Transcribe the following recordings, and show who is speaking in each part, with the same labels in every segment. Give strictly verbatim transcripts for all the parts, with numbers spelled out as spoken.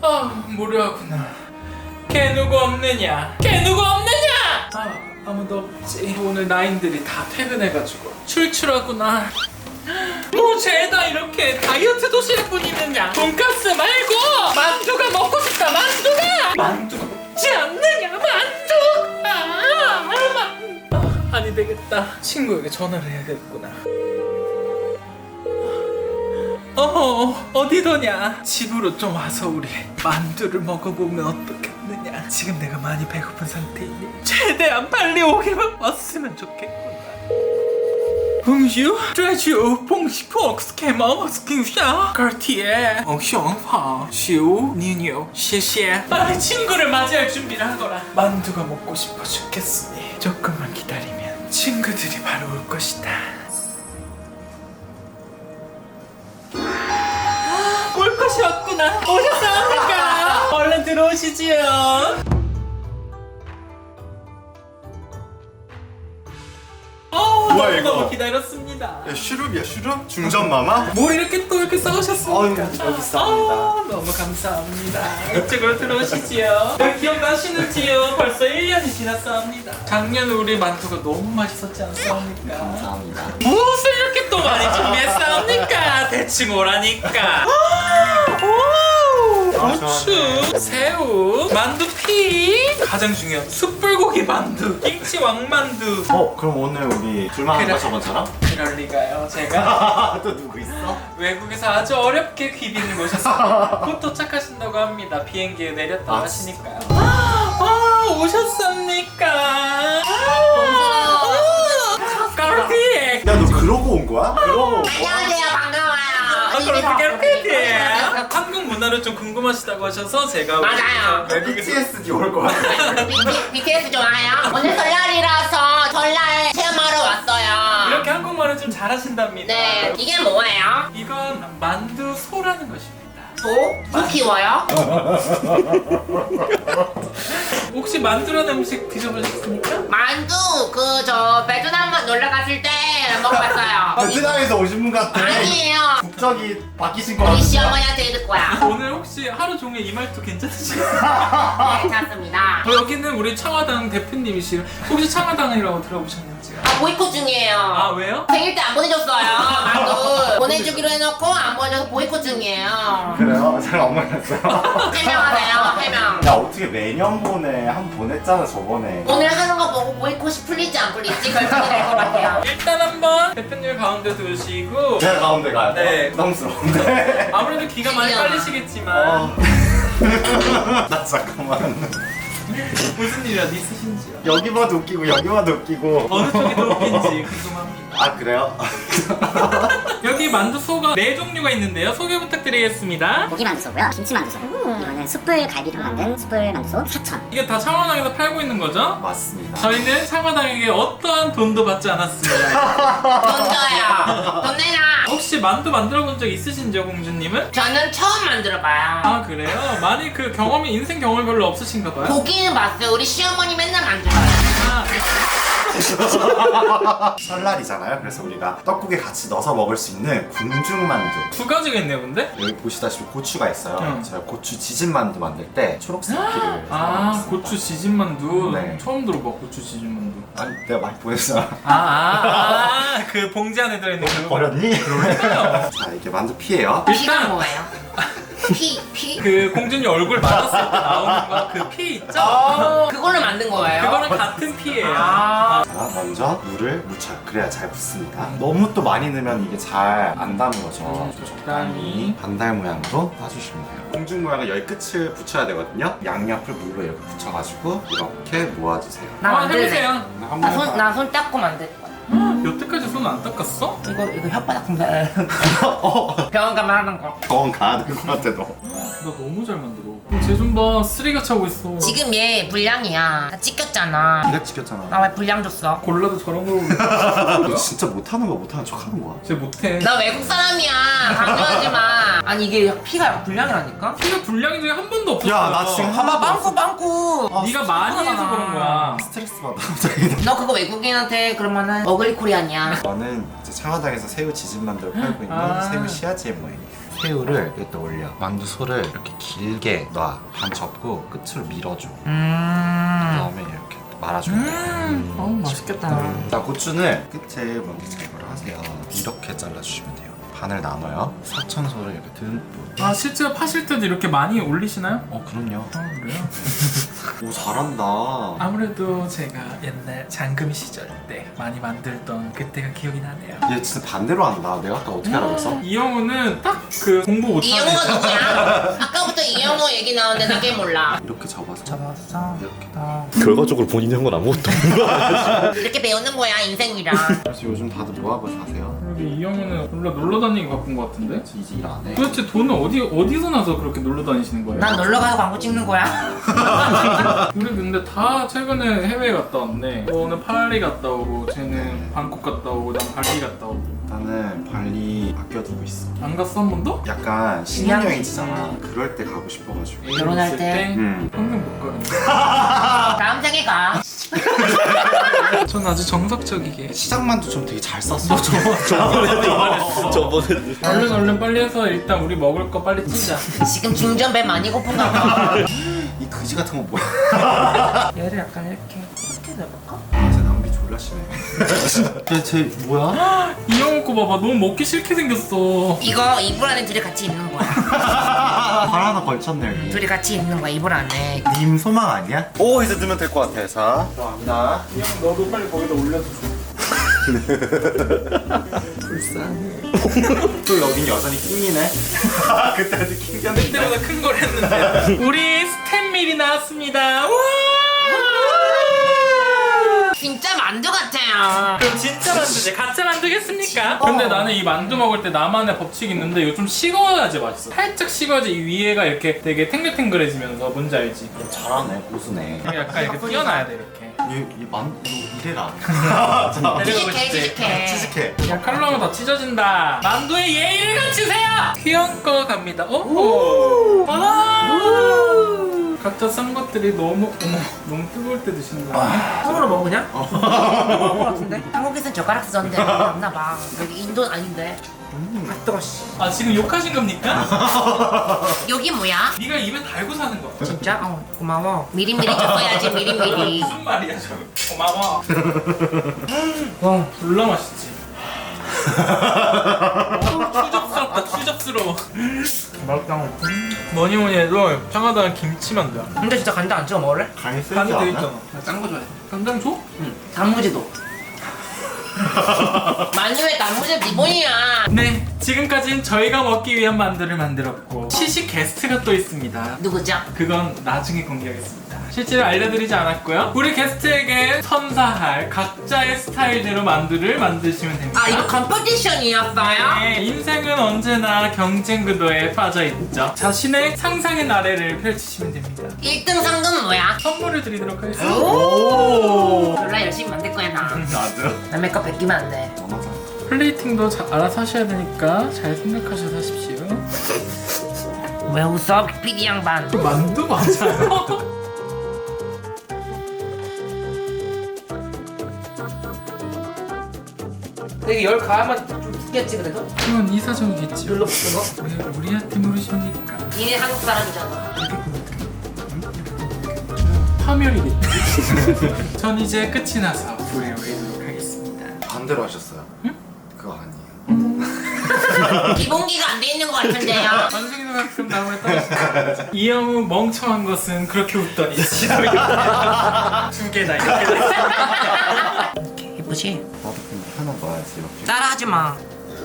Speaker 1: 아, 무료하구나. 걔 누구 없느냐? 걔 누구 없느냐? 아, 아무도 없지. 오늘 나인들이 다 퇴근해가지고 출출하구나. 뭐 죄다 이렇게 다이어트 도시락 뿐이느냐? 돈가스 말고 만두가 먹고 싶다. 만두가 만두가 먹지 않느냐? 만두. 아, 아, 아니 되겠다. 친구에게 전화를 해야겠구나. 어, 어디더냐? 집으로 좀 와서 우리 만두를 먹어보면 어떻겠느냐? 지금 내가 많이 배고픈 상태이니 최대한 빨리 오기만 왔으면 좋겠구나. Bonjour, bonjour, bonjour, excusez-moi, excusez-moi. Cartier, 엉성화, 시우, 니뉴, 시시에. 빨리 친구를 맞이할 준비를 하거라. 만두가 먹고 싶어 죽겠으니 조금만 기다리면 친구들이 바로 올 것이다. 올 것이 왔구나. 오셨습니까? 얼른 들어오시지요.
Speaker 2: 뭐야, 이거?
Speaker 1: 너무 기다렸습니다.
Speaker 2: 야, 슈룹이야 슈룹? 중전마마?
Speaker 1: 뭘 이렇게 또 이렇게 싸우셨습니까?
Speaker 2: 아유, 여기 있습니다.
Speaker 1: 아, 너무 감사합니다. 이쪽으로 들어오시지요. 네, 기억나시는지요? 벌써 일 년이 지났사옵니다. 작년 우리 만두가 너무 맛있었지 않습니까?
Speaker 2: 감사합니다.
Speaker 1: 무엇을 이렇게 또 많이 준비했사옵니까? 대충 오라니까. 고추, 새우, 만두피, 가장 중요한 숯불고기 만두, 김치 왕만두.
Speaker 2: 어, 그럼 오늘 우리 둘만 한
Speaker 1: 그래.
Speaker 2: 거 저번처럼?
Speaker 1: 그럴 리가요. 제가
Speaker 2: 또 누구 있어?
Speaker 1: 외국에서 아주 어렵게 귀빈을 모셨습니다. 곧 도착하신다고 합니다. 비행기에 내렸다고
Speaker 2: 아,
Speaker 1: 하시니까요. 아, 오셨습니까? 까르띠에.
Speaker 2: 야, 너 그러고 온 거야? 그러고 온 거야?
Speaker 3: 안녕하세요, 반가워요.
Speaker 1: 아, 그럼 까르띠에. 한국 문화를 좀 궁금하시다고 하셔서 제가
Speaker 3: 맞아요.
Speaker 1: 외국에서
Speaker 2: 비티에스디 올 거야.
Speaker 3: 비티에스 좋아요? 오늘 설날이라서 설날 체험하러 왔어요.
Speaker 1: 이렇게 한국말을 좀 잘하신답니다.
Speaker 3: 네, 이게 뭐예요?
Speaker 1: 이건 만두 소라는 것입니다.
Speaker 3: 소? 소 키워요?
Speaker 1: 혹시 만두라는 음식 드셔보셨습니까?
Speaker 3: 만두 그 저 베트남 놀러 갔을 때 먹어봤어요.
Speaker 2: 베트남에서 오신 분 같아.
Speaker 3: 아니에요.
Speaker 2: 국적이 바뀌신 거
Speaker 3: 우리
Speaker 2: 같은데.
Speaker 3: 시어머니한테 읽을 거야.
Speaker 1: 오늘 혹시 하루 종일 이 말투 괜찮으신가요?
Speaker 3: 네, 괜찮습니다.
Speaker 1: 어, 여기는 우리 청와당 대표님이시요. 혹시 청와당이라고 들어보셨는지요?
Speaker 3: 아, 보이콧 중이에요.
Speaker 1: 아 왜요?
Speaker 3: 생일 때 안 보내줬어요. 만두 보내주기로 해놓고 안 보내줘서 보이콧 중이에요.
Speaker 2: 그래요? 잘 안 몰랐어요.
Speaker 3: 해명하세요, 해명.
Speaker 2: 야, 어떻게 매년 보내? 한 번 보냈잖아, 저번에.
Speaker 3: 오늘 하는 거 보고 보이콧이 풀릴지 안 풀릴지 결정이 될 것 같아요.
Speaker 1: 일단 한번 대표님 가운데 두시고
Speaker 2: 제가 가운데 가야 돼?
Speaker 1: 네.
Speaker 2: 부담스러운데?
Speaker 1: 아무래도 기가 많이
Speaker 3: 신기하다.
Speaker 1: 빨리시겠지만
Speaker 2: 어. 나 잠깐만.
Speaker 1: 무슨 일이라도 있으신지요?
Speaker 2: 여기 봐도 웃기고 여기 봐도 웃기고.
Speaker 1: 어느 쪽이 더 웃긴지 궁금합니다.
Speaker 2: 아, 그래요?
Speaker 1: 여기 만두소가 네 종류가 있는데요. 소개 부탁드리겠습니다.
Speaker 4: 고기 만두소고요, 김치 만두소. 이거는 숯불 갈비로 만든 숯불 만두소 사천.
Speaker 1: 이게 다 창원항에서 팔고 있는 거죠?
Speaker 2: 맞습니다.
Speaker 1: 저희는 창원항에게 어떠한 돈도 받지 않았습니다.
Speaker 3: 돈 줘요. 돈 내놔.
Speaker 1: 혹시 만두 만들어 본 적 있으신지요, 공주님은?
Speaker 3: 저는 처음 만들어봐요.
Speaker 1: 아 그래요? 많이 그 경험이 인생 경험이 별로 없으신가 봐요.
Speaker 3: 고기는 봤어요. 우리 시어머니 맨날 만들어요.
Speaker 1: 아,
Speaker 2: 설날이잖아요. 그래서 우리가 떡국에 같이 넣어서 먹을 수 있는 궁중만두.
Speaker 1: 두 가지가 있네요, 근데?
Speaker 2: 여기 보시다시피 고추가 있어요.
Speaker 1: 응.
Speaker 2: 제가 고추 지진 만두 만들 때 초록색 피를
Speaker 1: 아
Speaker 2: 사용했습니다.
Speaker 1: 고추 지진 만두.
Speaker 2: 네.
Speaker 1: 처음 들어봐 고추 지진 만두.
Speaker 2: 아니, 내가 많이 보냈잖아.
Speaker 1: 아그 봉지 안에 들어있는 그.
Speaker 2: 버렸니? 자, 이게 만두 피예요.
Speaker 3: 피가
Speaker 1: 일단
Speaker 3: 뭐예요? 피, 피?
Speaker 1: 그 공주님 얼굴 맞았을 때 나오는 거 그 피 있죠?
Speaker 3: 어, 그걸로 만든 거예요?
Speaker 1: 그거랑 같은 피예요.
Speaker 3: 아.
Speaker 2: 자, 먼저 물을 묻혀요. 그래야 잘 붙습니다. 너무 또 많이 넣으면 이게 잘 안 담으죠.
Speaker 1: 음, 적당히.
Speaker 2: 반달 모양으로 따주시면 돼요. 공중 모양은 여기 끝을 붙여야 되거든요. 양옆을 물로 이렇게 붙여가지고 이렇게 모아주세요.
Speaker 3: 나
Speaker 1: 한번
Speaker 3: 만들래.
Speaker 1: 해보세요.
Speaker 2: 한번
Speaker 3: 나 손,
Speaker 2: 해봐.
Speaker 3: 나 손 닦고 만들 거야.
Speaker 1: 여태까지 손 안 닦았어?
Speaker 3: 이거, 이거 혓바닥 검사. 병원 가면 하는 거.
Speaker 2: 병원 가야 될 것 같아, 너.
Speaker 1: 나 너무 잘 만들어. 쟤 좀 봐, 쓰레기가 차고 있어.
Speaker 3: 지금 얘 불량이야. 다 찍혔잖아.
Speaker 2: 네가 지켰잖아.
Speaker 3: 나 왜 불량 줬어?
Speaker 1: 골라도 저런 거.
Speaker 2: 너 진짜 못하는 거 못하는 척 하는 거야.
Speaker 1: 쟤 못해.
Speaker 3: 나 외국 사람이야. 강조하지 마. 아니 이게 피가 불량이라니까?
Speaker 1: 피가 불량인 적이 한 번도 없었어.
Speaker 2: 야, 나 지금
Speaker 3: 봐봐 빵꾸 빵꾸.
Speaker 2: 아,
Speaker 1: 네가 많이 해서
Speaker 3: 하잖아.
Speaker 1: 그런 거야.
Speaker 2: 스트레스 받아, 갑자기.
Speaker 3: 너 그거 외국인한테 그러면은 어글리 코리안이야.
Speaker 2: 저는 이제 창화당에서 새우 지진만두를 팔고 있는
Speaker 1: 아.
Speaker 2: 새우 씨앗제 모양이에요. 새우를 여기다 올려. 만두 소를 이렇게 길게 놔. 반 접고 끝으로 밀어줘.
Speaker 1: 음.
Speaker 2: 그다음에 이렇게 말아주면 돼.
Speaker 1: 음. 어우 맛있겠다.
Speaker 2: 자, 고추는 끝에 먼저 제거를 하세요. 이렇게 잘라주시면 돼요. 반을 나눠요. 사천소를 이렇게 듬뿍.
Speaker 1: 아 실제로 파실 때도 이렇게 많이 올리시나요?
Speaker 2: 어, 그럼요.
Speaker 1: 아 그래요?
Speaker 2: 오, 잘한다.
Speaker 1: 아무래도 제가 옛날 장금 시절 때 많이 만들던 그때가 기억이 나네요.
Speaker 2: 얘 진짜 반대로 한다. 내가 아까 어떻게 알아봤어?
Speaker 1: 이영우는 딱 그 공부 못하는
Speaker 3: 이영호가 누구야? 아까부터 이영호 얘기 나오는데 나 게임 몰라.
Speaker 2: 이렇게 접어서.
Speaker 1: 잡았어.
Speaker 2: 이렇게.
Speaker 1: 아.
Speaker 5: 결과적으로 본인이 한 건 아무것도 없는 거야.
Speaker 3: 이렇게 배우는 거야 인생이랑.
Speaker 2: 그래서 요즘 다들 뭐 하고 사세요?
Speaker 1: 그러게 이영우는 놀러 놀러 다니기 바쁜 것 같은데?
Speaker 2: 이제 일 안 해.
Speaker 1: 도대체 돈은 어디 어디서 나서 그렇게 놀러 다니시는 거예요?
Speaker 3: 난 놀러 가서 광고 찍는 거야.
Speaker 1: 우리 근데 다 최근에 해외 갔다 왔네. 너는 파리 갔다 오고, 쟤는 방콕 갔다 오고, 난 발리 갔다 오고.
Speaker 2: 나는 발리 아껴두고 있어.
Speaker 1: 안 갔어 한 번도?
Speaker 2: 약간 신혼여행지잖아. 그럴 때 가고 싶어가지고.
Speaker 3: 결혼할
Speaker 1: 있을
Speaker 3: 때?
Speaker 2: 음.
Speaker 1: 평생 못 가는데.
Speaker 3: 다음 생에 가.
Speaker 1: 전 아주 정석적이게.
Speaker 2: 시장만두 좀 되게 잘 쌌어.
Speaker 5: 저번에
Speaker 1: 얼른 얼른 빨리 해서 일단 우리 먹을 거 빨리 찌자.
Speaker 3: 지금 중전 배 많이 고픈가 봐.
Speaker 2: 이 그지 같은 거 뭐야?
Speaker 1: 얘를 약간 이렇게.
Speaker 3: 이렇게 내볼까?
Speaker 2: 아, 제 낭비 졸라 심해. 쟤 뭐야?
Speaker 1: 이영우 거 봐봐. 너무 먹기 싫게 생겼어.
Speaker 3: 이거 이불 안에 둘이 같이 입는 거야.
Speaker 2: 발 하나 걸쳤네 여기.
Speaker 3: 둘이 같이 입는 거야 이불 안에.
Speaker 2: 님 소망 아니야? 오, 이제 넣으면 될 것 같아. 자, 들어갑니다.
Speaker 1: 이영우 너도 빨리 거기다 올려줘.
Speaker 2: 또 여긴 여전히 킹이네. 그때도 킹겼는데.
Speaker 1: 그때보다 큰 걸 했는데. 우리 스탠밀이 나왔습니다. 우와!
Speaker 3: 진짜 만두 같아요.
Speaker 1: 그럼 진짜 만두지? 가짜 만두겠습니까? 근데 나는 이 만두 먹을 때 나만의 법칙이 있는데 이거 좀 식어야지 맛있어. 살짝 식어야지 이 위에가 이렇게 되게 탱글탱글해지면서 뭔지 알지?
Speaker 2: 잘하네, 고수네.
Speaker 1: 약간 이렇게 띄어놔야 돼 이렇게.
Speaker 2: 얘 만, 너 이래라.
Speaker 1: 데려가고
Speaker 3: 취직해
Speaker 1: 싶지?
Speaker 3: 취직해.
Speaker 2: 치즈케.
Speaker 1: 야 칼로면 다 찢어진다. 만두의 예의를 갖추세요. 귀여운 거 갑니다. 오. 와. 각자 싼 것들이 너무 어머 너무 뜨거울 때 드시는 거 아니야?
Speaker 3: 손으로 먹어 그냥? 먹을 것 같은데? 한국에선 젓가락 쓰던데 없나 봐. 여기 인도 아닌데. 아 뜨거 씨.
Speaker 1: 아 지금 욕하신 겁니까?
Speaker 3: 여기 뭐야?
Speaker 1: 네가 입에 달고 사는 거.
Speaker 3: 진짜? 어 고마워. 미리미리 적어야지 미리미리.
Speaker 1: 무슨 말이야 저. 고마워.
Speaker 3: 와
Speaker 1: 졸라 맛있지. 어, 추접스럽다 추접스러워.
Speaker 3: 맛있다.
Speaker 1: 뭐니 뭐니 해도 청하다는 김치만두야.
Speaker 3: 근데 진짜 간장 안 찍어 먹을래?
Speaker 2: 간이 쓰지
Speaker 1: 간이 돼
Speaker 2: 않아?
Speaker 1: 있잖아.
Speaker 3: 짠거 좋아해.
Speaker 1: 간장 줘?
Speaker 3: 응. 단무지도. 만두에 단무지 기본이야.
Speaker 1: 네, 지금까지는 저희가 먹기 위한 만두를 만들었고 시식 게스트가 또 있습니다.
Speaker 3: 누구죠?
Speaker 1: 그건 나중에 공개하겠습니다. 실제로 알려드리지 않았고요. 우리 게스트에게 선사할 각자의 스타일대로 만두를 만드시면 됩니다.
Speaker 3: 아 이거 컴포지션이었어요?
Speaker 1: 네, 인생은 언제나 경쟁 구도에 빠져있죠. 자신의 상상의 나래를 펼치시면 됩니다.
Speaker 3: 일 등 상금은 뭐야?
Speaker 1: 선물을 드리도록 하겠습니다.
Speaker 3: 오! 졸라 열심히 만들 거야 나.
Speaker 2: 나도.
Speaker 3: 남의 거 베끼면 안 돼.
Speaker 2: 전화자.
Speaker 1: 플레이팅도 자, 알아서 하셔야 되니까 잘 생각하셔서 하십시오.
Speaker 3: 왜 웃어? 피디 양반.
Speaker 1: 그 만두 맞아요?
Speaker 3: 되게 열 가야만 좀 죽겠지 그래도?
Speaker 1: 그건 이 사정이겠지요.
Speaker 3: 눌러 붙는 거?
Speaker 1: 왜 우리한테 물으십니까?
Speaker 3: 니네 한국 사람이잖아.
Speaker 1: 파멸이겠지. 전 이제 끝이 나서 불에 올리도록 하겠습니다.
Speaker 2: 반대로 하셨어요. 응? 그거 아니에요.
Speaker 3: 기본기가 안 돼 있는 것 같은데요?
Speaker 1: 완승이도 가끔 나무에 떨어지죠. 이영우 멍청한 것은 그렇게 웃더니 지도 두 개다 이렇게.
Speaker 3: 예쁘지?
Speaker 2: 나도 그냥 하나 넣어야지 이렇게.
Speaker 3: 따라하지 마.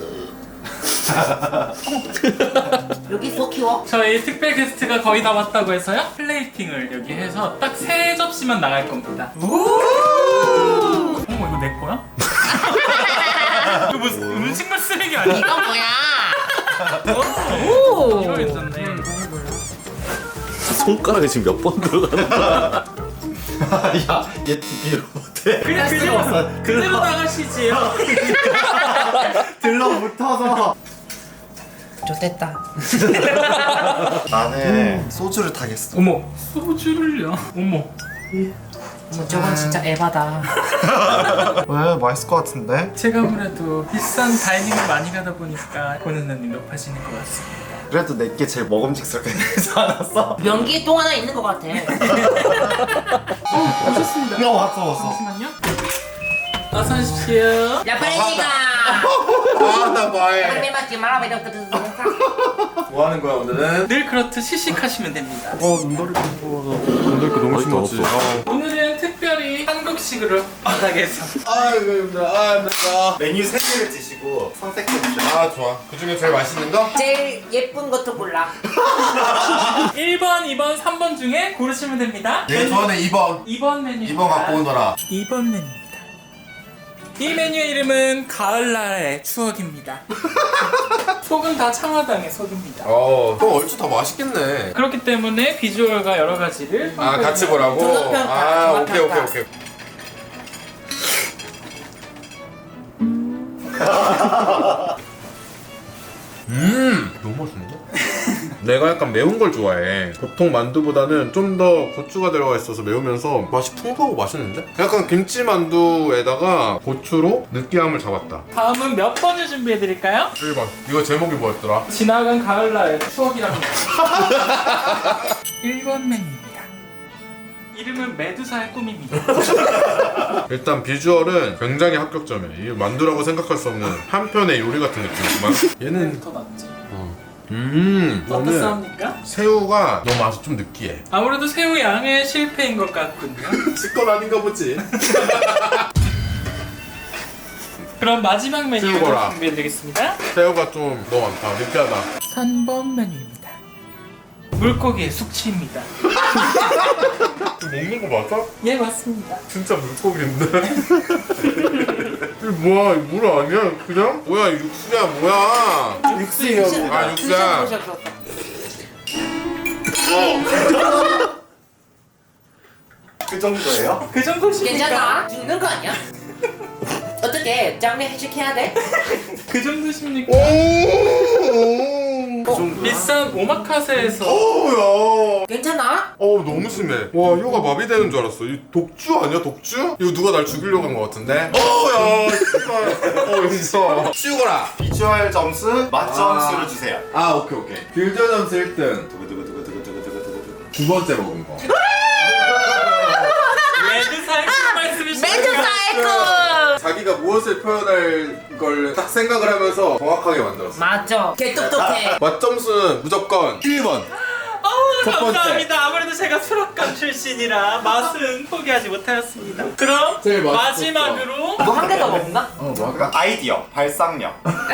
Speaker 3: 여기 소 키워?
Speaker 1: 저희 특별 게스트가 거의 다 왔다고 해서요. 플레이팅을 여기 해서 딱 세 접시만 나갈 겁니다. 어머 이거 내 거야? 이거 무슨 음식물 쓰레기 아니야?
Speaker 3: 이거 뭐야?
Speaker 1: 오! 이거 괜찮네.
Speaker 5: 손가락에 지금 몇 번 들어가는 거야?
Speaker 2: 야, 얘 티비로 못해.
Speaker 1: 그냥 그대로, 그대로 나가시지요.
Speaker 2: 들러붙어서.
Speaker 3: 좋됐다.
Speaker 2: 나는 소주를 타겠어.
Speaker 1: 어머 소주를요? 어머
Speaker 3: 어머, 저건 진짜 에바다.
Speaker 2: 왜? 맛있을 것 같은데?
Speaker 1: 제가 아무래도 비싼 다이닝을 많이 가다 보니까 보는 눈이 높아지는 것 같습니다.
Speaker 2: 그래도 내게 제일 먹음직스럽게 되지 않았어?
Speaker 3: 변기에 똥 하나 있는 것 같아.
Speaker 1: 오셨습니다.
Speaker 2: 야 왔어 왔어.
Speaker 1: 잠시만요. 어서 오십시오.
Speaker 3: 야 빨리 가.
Speaker 2: 아나 뭐해?
Speaker 3: 빨리 맞지 마라.
Speaker 2: 뭐 하는 거야 오늘은?
Speaker 1: 늘 그렇듯 시식하시면 됩니다.
Speaker 2: 어 눈돌이 부어서 눈돌이 너무
Speaker 5: 아직도
Speaker 2: 심하지.
Speaker 5: 없어.
Speaker 1: 오늘은 특별히 한국식으로 바닥에서
Speaker 2: 아이고 힘들어. 아 힘들어. 메뉴 세 개를 드시고 선택해 주세요. 아 좋아. 그 중에 제일 맛있는 거?
Speaker 3: 제일 예쁜 것도 골라.
Speaker 1: 일 번, 이 번, 삼 번 중에 고르시면 됩니다.
Speaker 2: 얘 좋아하는 이 번.
Speaker 1: 이 번 메뉴.
Speaker 2: 이 번 갖고 오너라.
Speaker 1: 이 번 메뉴입니다. 이 메뉴의 이름은 가을날의 추억입니다. 속은 다 창화당의 속입니다.
Speaker 2: 어, 그럼 얼추 더 맛있겠네.
Speaker 1: 그렇기 때문에 비주얼과 여러 가지를
Speaker 2: 아 같이 보라고?
Speaker 3: 종합평가,
Speaker 2: 아 오케이 오케이
Speaker 3: 종합평가.
Speaker 2: 오케이. 음 너무 맛있는데? 내가 약간 매운 걸 좋아해. 보통 만두보다는 좀 더 고추가 들어가 있어서 매우면서 맛이 풍부하고 맛있는데? 약간 김치 만두에다가 고추로 느끼함을 잡았다.
Speaker 1: 다음은 몇 번을 준비해드릴까요?
Speaker 2: 일 번. 이거 제목이 뭐였더라?
Speaker 1: 지나간 가을날의 추억이랍니다. 일 번 메뉴입니다. 이름은 메두사의 꿈입니다.
Speaker 2: 일단 비주얼은 굉장히 합격점이야. 이게 만두라고 생각할 수 없는 한편의 요리 같은 느낌이지만 얘는
Speaker 1: 더 낫지.
Speaker 2: 음 저는
Speaker 1: 어떻습니까?
Speaker 2: 새우가 너무 맛이 좀 느끼해.
Speaker 1: 아무래도 새우 양의 실패인 것 같군요.
Speaker 2: 지건 아닌가 보지.
Speaker 1: 그럼 마지막 메뉴를
Speaker 2: 새우거라.
Speaker 1: 준비해드리겠습니다.
Speaker 2: 새우가 좀 너무 많다. 느끼하다.
Speaker 1: 삼 번 메뉴입니다. 물고기의 숙취입니다.
Speaker 2: 먹는 거 맞아?
Speaker 1: 예, 맞습니다.
Speaker 2: 진짜 물고기인데. 이게 뭐야? 이거 물 아니야? 그냥? 뭐야? 육수야 뭐야?
Speaker 1: 육수예요.
Speaker 2: 아 육수야. 그 정도예요?
Speaker 1: 그 정도십니까?
Speaker 3: 괜찮아? 죽는 거 아니야? 어떻게 장례 해식해야 돼?
Speaker 1: 그 정도십니까?
Speaker 2: 그 정도.
Speaker 1: 비싼 오마카세에서
Speaker 2: 어우야.
Speaker 3: 괜찮아?
Speaker 2: 어우 너무 심해. 와 혀가 마비되는 줄 알았어. 이 독주 아니야 독주? 이거 누가 날 죽이려고 한 것 같은데? 어우야 씨발. 어 용서. 치우거라.
Speaker 6: 비주얼 점수, 맛 점수를 주세요.
Speaker 2: 아 오케이 오케이. 빌드 점수 일 등. 두구두구두구두구두구두구두구. 두 번째 먹은 거.
Speaker 1: 레드사의 그 말씀이시죠?
Speaker 3: 메두사의 꿈!
Speaker 2: 자기가 무엇을 표현할 걸 딱 생각을 하면서 정확하게 만들었어.
Speaker 3: 맞죠? 개 똑똑해.
Speaker 2: 맛 점수는 무조건 일 번.
Speaker 1: 어우,
Speaker 2: 첫 번째.
Speaker 1: 감사합니다. 아무래도 제가 수락관 출신이라 맛은 포기하지 못하였습니다. 그럼
Speaker 2: 제일 맛있었어.
Speaker 1: 마지막으로
Speaker 3: 뭐 한 개 더 먹나?
Speaker 2: 어 뭐?
Speaker 6: 그러니까 아이디어, 발상력.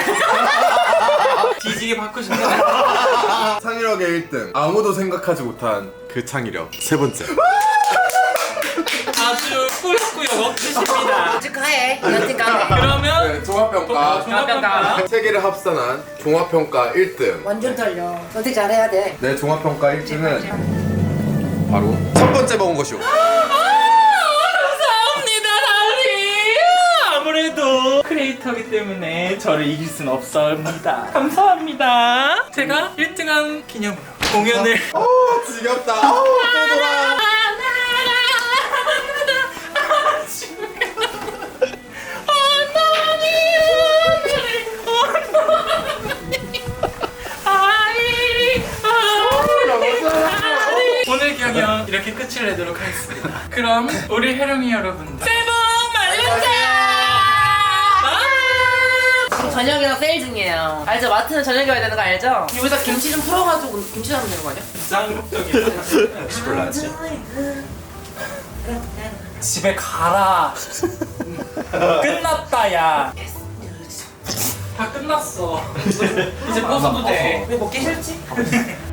Speaker 1: 뒤지게 받고 싶네요.
Speaker 2: 창의력의 일 등. 아무도 생각하지 못한 그 창의력. 세 번째.
Speaker 1: 아주 꾸역꾸역 억지십니다.
Speaker 3: 축하해. 여튼간에.
Speaker 1: 그러면
Speaker 2: 네, 종합평가.
Speaker 1: 종합평가
Speaker 2: 세 개를 합산한 종합평가 일 등.
Speaker 3: 완전 떨려. 선택 잘해야 돼.
Speaker 2: 내 종합평가 일 등은 바로 첫 번째 먹은 것이오.
Speaker 1: 감사합니다, 달리. 아무래도 크리에이터기 때문에 저를 이길 순 없습니다. 감사합니다. 제가 일 등한 기념으로 공연을
Speaker 2: 어 지겹다. 어우 또 돌아.
Speaker 1: 오늘 경연 이렇게 끝을 내도록 하겠습니다. 그럼 우리 해령이 여러분들 새해 복 많이 받으세요.
Speaker 3: 지금 저녁이랑 세일 중이에요. 알죠? 마트는 저녁에 와야 되는 거 알죠? 여기다 김치 좀 풀어가지고 김치 담으면 되는 거 아니야?
Speaker 1: 쌍욕적인
Speaker 6: 몰랐지.
Speaker 1: 집에 가라. 끝났다 야. 다 끝났어. 이제 벗어도 돼.
Speaker 3: 왜 먹기 싫지?